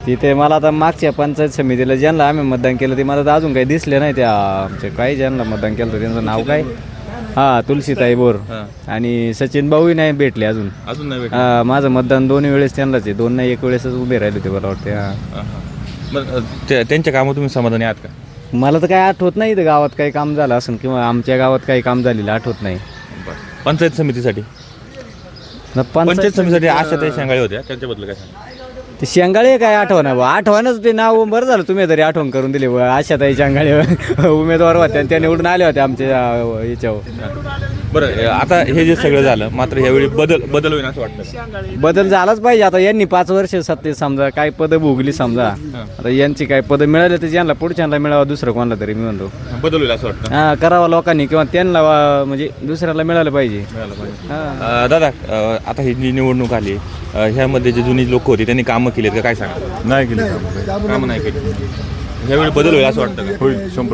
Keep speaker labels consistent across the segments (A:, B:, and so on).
A: तिथे मला आता मागच्या पंचायत समितीला ज्यांना आम्ही मतदान केलं ते मला तर अजून काही दिसले नाही. त्या आमचे काही ज्यांना मतदान केलं होतं त्यांचं नाव काय, हां तुलसीताई बोर आणि सचिन भाऊही नाही भेटले अजून.
B: नाही
A: माझं मतदान दोन्ही वेळेस त्यांनाच आहे, दोन नाही एक वेळेसच उभे राहिले होते मला वाटते.
B: बरं त्यांच्या कामावर तुम्ही समाधानी आहात का?
A: मला तर काही आठवत नाही तर गावात काही काम झालं असेल किंवा आमच्या गावात काही काम झालेलं आठवत नाही.
B: पंचायत समितीसाठी पंचायत समितीसाठी आशाताई शेंगाळे होत्या, त्यांच्याबद्दल काय सांगा?
A: ते शेंगाळे काय आठवण बा, आठवणच ते नाव बरं झालं तुम्ही तरी आठवण करून दिली. आशाताई शेंगाळे उमेदवार होत्या त्या निवडून आल्या होत्या आमच्या याच्यावर.
B: बरं आता हे जे सगळं झालं मात्र यावेळी बदल होईल असं वाटतं?
A: बदल झालाच पाहिजे. आता यांनी 5 वर्ष सत्तेत समजा काय पदं भोगली समजा, आता यांची काय पदं मिळाले तर यांना पुढच्यांना मिळावं, दुसरं कोणाला तरी मी म्हणतो
B: बदल होईल असं वाटतं.
A: हां करावं लोकांनी किंवा त्यांना म्हणजे दुसऱ्याला मिळालं पाहिजे.
B: दादा आता ही जी निवडणूक आली ह्यामध्ये जे जुनी लोक होती त्यांनी कामं केलीत का, काय सांगा?
C: नाही केली
B: कामं नाही केली. ह्यावेळी बदल होईल असं वाटतं का?
C: होईल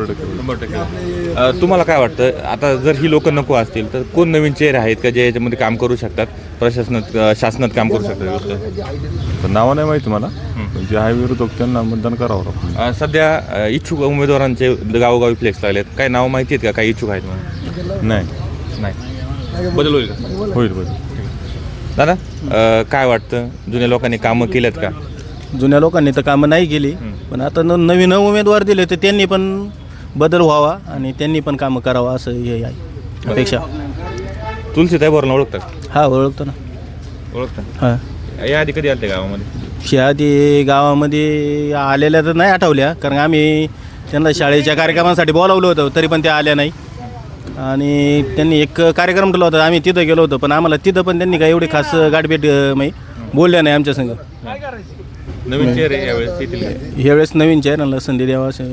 C: 100%.
B: तुम्हाला काय वाटतं आता जर ही लोक नको असतील तर कोण नवीन चेहरे आहेत का जे याच्यामध्ये काम करू शकतात, शासनात काम करू शकतात?
C: तर नावं नाही माहिती मला, जे आहे विरोधक त्यांना मतदान करावं लागतं.
B: सध्या इच्छुक उमेदवारांचे गावोगावी फ्लेक्स लागलेत, काय नावं माहिती आहेत का, काही इच्छुक आहेत म्हणून?
C: नाही
B: बदल होईल का?
C: होईल.
B: दादा काय वाटतं, जुन्या लोकांनी कामं केल्यात का?
D: जुन्या लोकांनी तर कामं नाही केली, पण आता नवीन उमेदवार दिले तर त्यांनी पण बदल व्हावा आणि त्यांनी पण कामं करावं असं हे आहे अपेक्षा.
B: तुलसीताई बोरला ओळखतात?
D: हा ओळखतो ना.
B: ओळखतात.
D: हां
B: या आधी कधी आले गावामध्ये?
D: शहादी गावामध्ये आलेल्या तर नाही आठवल्या, कारण आम्ही त्यांना शाळेच्या कार्यक्रमासाठी बोलावलं होतं तरी पण त्या आल्या नाही. आणि त्यांनी एक कार्यक्रम ठेवला होता, आम्ही तिथं गेलो होतो, पण आम्हाला तिथं पण त्यांनी काही एवढी खास गाठभेट बोलल्या नाही आमच्या संग.
B: नवीन चेहरे यावेळेस येतील का?
D: ह्यावेळेस नवीन चेहऱ्याला संधी द्यावा असं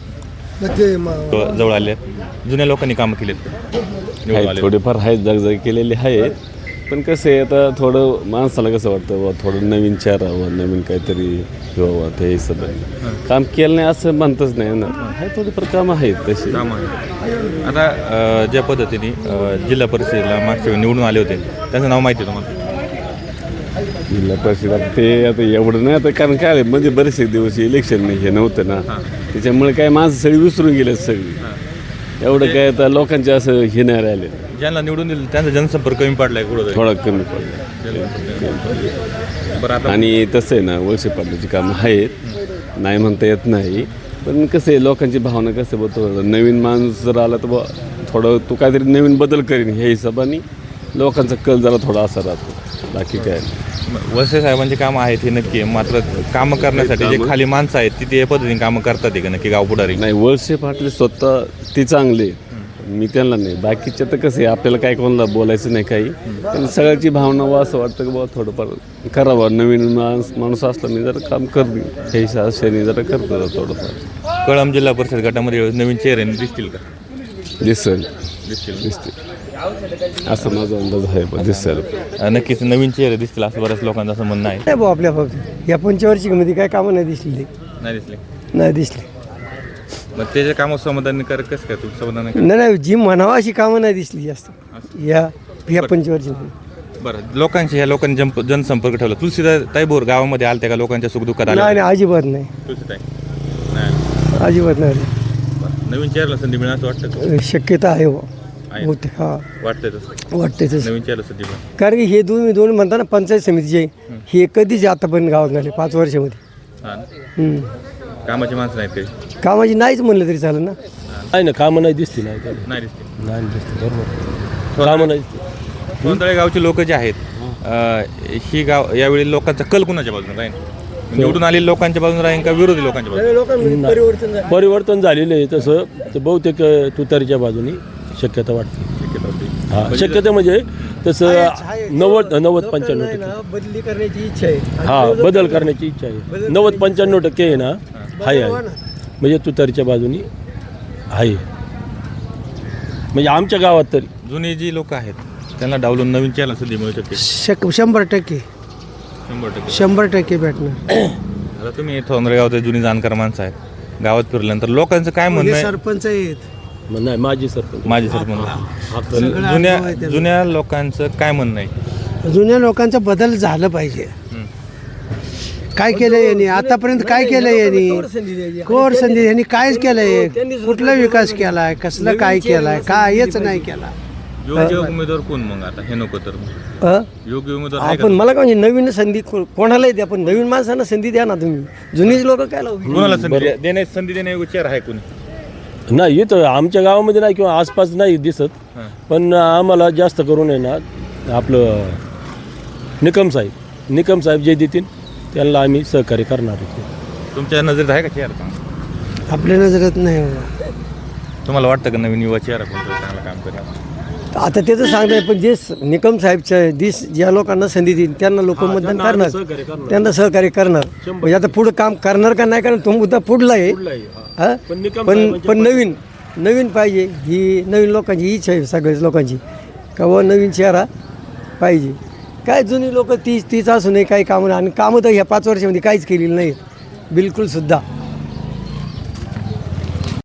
B: जवळ आले. जुन्या लोकांनी कामं केलीत का?
E: थोडेफार आहेत, जागजागी केलेले आहेत, पण कसं आहे आता थोडं माणसाला कसं वाटतं बा थोडं नवीन चेहरा हवं, नवीन काहीतरी व्हावं, ते हिशोबाने काम केलं नाही असं म्हणतच नाही ना. आहे थोडीफार कामं आहेत तशी.
B: आता ज्या पद्धतीने जिल्हा परिषदेला मागच्या वेळी निवडून आले होते त्यांचं नाव माहिती आहे तुम्हाला?
E: जिल्हा परिषद ते आता एवढं नाही आता, कारण काय म्हणजे बरेचसे दिवस इलेक्शन नाही हे नव्हतं ना, त्याच्यामुळे काय माणसं सगळी विसरून गेले सगळी. एवढं काय आता लोकांचे असं हे नाही राहिले.
B: ज्यांना निवडून दिलं त्यांचा जनसंपर्क कमी पडलाय
E: थोडा कमी पडला. आणि तसं आहे ना, वळसे पाटलाची कामं आहेत, नाही म्हणता येत नाही, पण कसं आहे लोकांची भावना कसं बघतो, नवीन माणूस जर आला तर थोडं तो काहीतरी नवीन बदल करीन ह्या हिशोबाने लोकांचा कल जरा थोडा असा राहतो, बाकी काय.
B: वळसे साहेबांची कामं आहेत हे नक्की आहे, मात्र कामं करण्यासाठी जे खाली माणसं आहेत तिथे या पद्धतीने कामं करतात का नक्की गाव पुढारी?
E: नाही, वळसे पाटले स्वतः ते चांगले, मी त्यांना नाही. बाकीचे तर कसं आहे आपल्याला काय कोणाला बोलायचं नाही काही, पण सगळ्याची भावना वा असं वाटतं की बाबा थोडंफार करावं, नवीन माणूस असला मी जरा काम करते हे हिशोबाने जरा करतो थोडंफार.
B: कळंब जिल्हा परिषद गटामध्ये नवीन चेहरे दिसतील का?
E: दिसतील असं माझा अंदाज आहे. दिसेल
B: नक्कीच नवीन चेहरे दिसतील असं बऱ्याच लोकांचं असं म्हणणं आहे.
F: नाही भाऊ, आपल्या फक्त या पंचवार्षिकमध्ये काय कामं नाही दिसली. नाही दिसली.
B: मग त्याच्या कामावर समाधानकारक कसं काय तू समाधान?
F: नाही जी म्हणावं अशी कामं नाही दिसली जास्त या पंचवार्षिकमध्ये.
B: बरं, ह्या लोकांनी जनसंपर्क ठेवला. तुलसीताई बोर गावामध्ये आलते का लोकांच्या सुखदुःखात आले?
F: नाही अजिबात नाही,
B: तुलसीताई नाही.
F: अजिबात नाही.
B: नवीन चेहऱ्याला संधी मिळणार असं वाटतं?
F: शक्यता आहे होते. हा
B: वाटतंय तसं,
F: वाटतंय तसं.
B: नवीन चेहरा संधी मिळणार.
F: कारण की हे दोन म्हणता ना पंचायत समितीचे, हे कधीच आतापर्यंत गावात झाले 5 वर्षामध्ये.
B: कामाची माणसं नाहीत काही?
F: कामाची नाहीच म्हणलं तरी चालेल ना.
D: नाही ना, कामं नाही दिसली नाही
B: नाही दिसते.
D: नाही दिसते बरोबर, कामं नाही.
B: सोनतळे गावचे लोक जे आहेत ही गाव यावेळी लोकांचा कल कुणाच्या बाजूने राहील? निवडून आलेल्या लोकांच्या बाजूने राहील का विरोधी लोकांच्या बाजूने?
D: परिवर्तन झालेलं आहे तसं तर बहुतेक तुतारीच्या बाजूनी शक्यता वाटते. हा, शक्यता म्हणजे तसं 90-95%
F: बदली करण्याची इच्छा आहे.
D: हा, बदल करण्याची इच्छा आहे. 90-95% आहे ना, आहे म्हणजे तुतारीच्या बाजूनी आहे, म्हणजे आमच्या गावात तरी.
B: जुनी जी लोक आहेत त्यांना डावलून नवीन चेहरा संधी मिळू शकते?
F: 100% 100% भेटणार.
B: आता तुम्ही सोनतळे गावात जुनी जाणकार माणसं आहेत, गावात फिरल्यानंतर लोकांचं काय म्हणणं आहे?
F: सरपंच आहेत.
D: नाही, माजी सरपंच.
B: जुन्या लोकांचं काय म्हणणं आहे?
F: जुन्या लोकांचा बदल झालं पाहिजे.
G: काय केलं यांनी आतापर्यंत काय केलं यांनी कोर संधी यांनी कायच केलंय कुठला विकास केलाय कसलं काय केलाय कायच नाही केला
B: योग्य उमेदवार कोण मग आता हे नको तर मग?
F: हं?
B: योग्य उमेदवार आहे का?
F: आपण मला काय म्हणजे नवीन संधी कोणालाही द्या पण नवीन माणसांना संधी द्या ना तुम्ही जुनीच लोक काय लावू
B: कोणाला संधी देण्यायोग्य चेहरा आहे कोणी?
H: नाही इथं आमच्या गावामध्ये नाही किंवा आसपास नाही दिसत पण आम्हाला जास्त करून आहे ना आपलं निकम साहेब जे देतील त्यांना आम्ही सहकार्य करणार आहोत.
B: तुमच्या नजरेत आहे का चेहरा चांगला?
G: आपल्या नजरेत नाही बाबा.
B: तुम्हाला वाटतं का नवीन युवा चेहरा कोणतं चांगलं काम करेल?
F: आता त्याचं सांगताय पण जे निकम साहेबच्या ज्या लोकांना संधी देईल त्यांना लोक मतदान करणार त्यांना सहकार्य करणार म्हणजे आता पुढं काम करणार का नाही करणार तो मुद्दा पुढला आहे हा? पण नवीन पाहिजे ही नवीन लोकांची इच्छा आहे सगळ्याच लोकांची का व नवीन चेहरा पाहिजे काय जुनी लोक तीच असूनही काही कामं आणि कामं तर ह्या 5 वर्षामध्ये काहीच केलेली नाही बिलकुल सुद्धा